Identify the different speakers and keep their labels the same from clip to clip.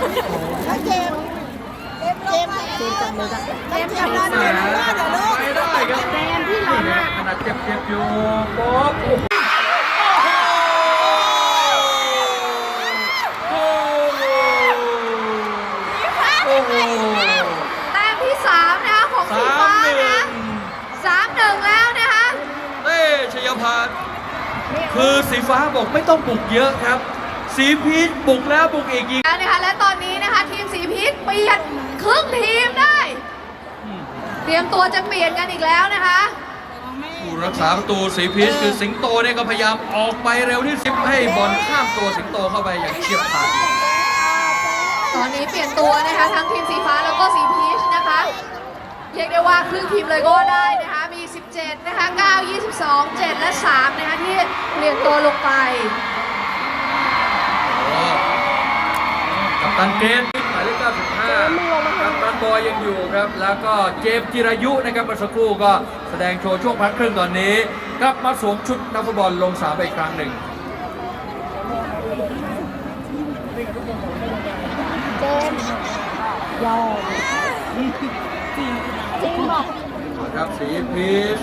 Speaker 1: แล้วเจมจับมือกันเจมทำร้านเจมทำร้านเดี๋ยวลูก
Speaker 2: ไม่ได้ครับ
Speaker 1: เจมที่ร้านอ่ะ
Speaker 2: ขนาดเจ็บอยู่ป๊อบ
Speaker 3: แต้มที่3นะคะของสีฟ้านะ3-1แล้วนะคะ
Speaker 2: เต้ชัยพันธ์คือสีฟ้าบอกไม่ต้องบุกเยอะครับ สีพีชบุกแล้วบุกอีกยิง
Speaker 3: นะคะและตอนนี้นะคะทีมสีพีชเปลี่ยนครึ่งทีมได้เตรียมตัวจะเปลี่ยนกันอีกแล้วนะคะ
Speaker 2: ผู้รักษาประตูสีพีชคือสิงโตเนี่ยก็พยายามออกไปเร็วที่สุดให้บอลข้ามตัวสิงโตเข้าไปอย่างเฉียบขาด
Speaker 3: ตอนนี้เปลี่ยนตัวนะคะทั้งทีมสีฟ้าแล้วก็สีพีชนะคะเรียกได้ว่าครึ่งทีมเลยก็ได้นะคะมี17นะคะ9 22 7และ3นะคะที่เปลี่ยนตัวลงไป
Speaker 2: กัปตันเกตหมายเลข95กัปตันบอยยังอยู่ครับแล้วก็เจมส์จิรายุนะครับเมื่อสักครู่ก็แสดงโชว์ช่วงพักครึ่งตอนนี้กลับมาสวมชุดนักฟุตบอลลงสนามไปอีกครั้งหนึ่ง
Speaker 1: เจมยอมจริงบอก
Speaker 2: ครับสีพีช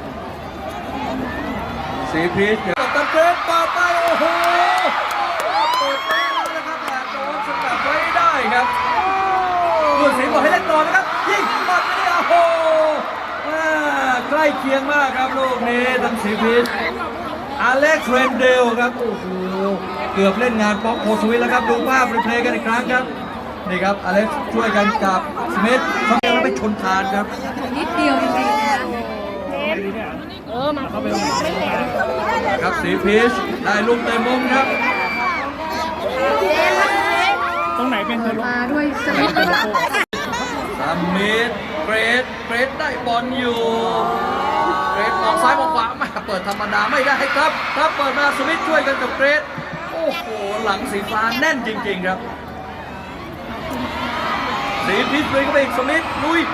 Speaker 2: เดี๋ยวกัปตันเกตปาไปโอ้โหเปิดแป้งนะครับแต่โดนสกัดไว้ได้ครับผู้สิงห์บอกให้เล่นต่อนะครับยิงปัดไม่ได้โอ้โหใกล้เคียงมากครับลูกนี้ทางสีพีชอเล็กซ์เรนเดลครับโอ้โหเกือบเล่นงานป๊อกโคสวิทแล้วครับดูภาพรีเพลย์กันอีกครั้งครับนี่ครับอเล็กซ์ช่วยกันกับสมิธเขาเดียวแล้วไปชนคานครับ
Speaker 3: นิดเดียวจริงๆนะคะ
Speaker 1: มาเข้าไป
Speaker 2: ครับสีพีชได้ลูกเต็มมุมครับ
Speaker 1: ตรงไหนเป็น
Speaker 3: มาด้วยสมิธ
Speaker 2: เกรดได้บอลอยู่เกรดออกซ้ายออกขวามาเปิดธรรมดาไม่ได้ครับเปิดมาสมิธช่วยกันกับเกรดโอ้โหหลังสีฟ้าแน่นจริงๆครับสีพีชเลยก็ไปอีกสมิธลุย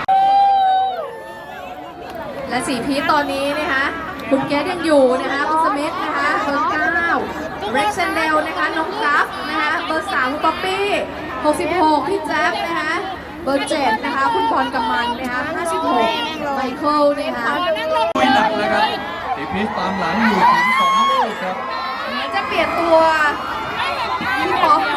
Speaker 3: และสีพีชตอนนี้นะคะคุณเกสยังอยู่นะคะคุณสมิธนะคะเบอร์9เร็กเซนเดลนะคะน้องกัฟนะคะเบอร์3คุณป๊อปปี้66พี่แจ๊บนะคะเบอร์7นะคะคุณบอลกำมันนะคะ56ไมเคิลนะคะ
Speaker 2: ลุยหนักเลยครับสีพีชตามหลังอยู่ถึง2 ลูกครับ
Speaker 3: จะเปลี่ยนตัวพี่ป๊อป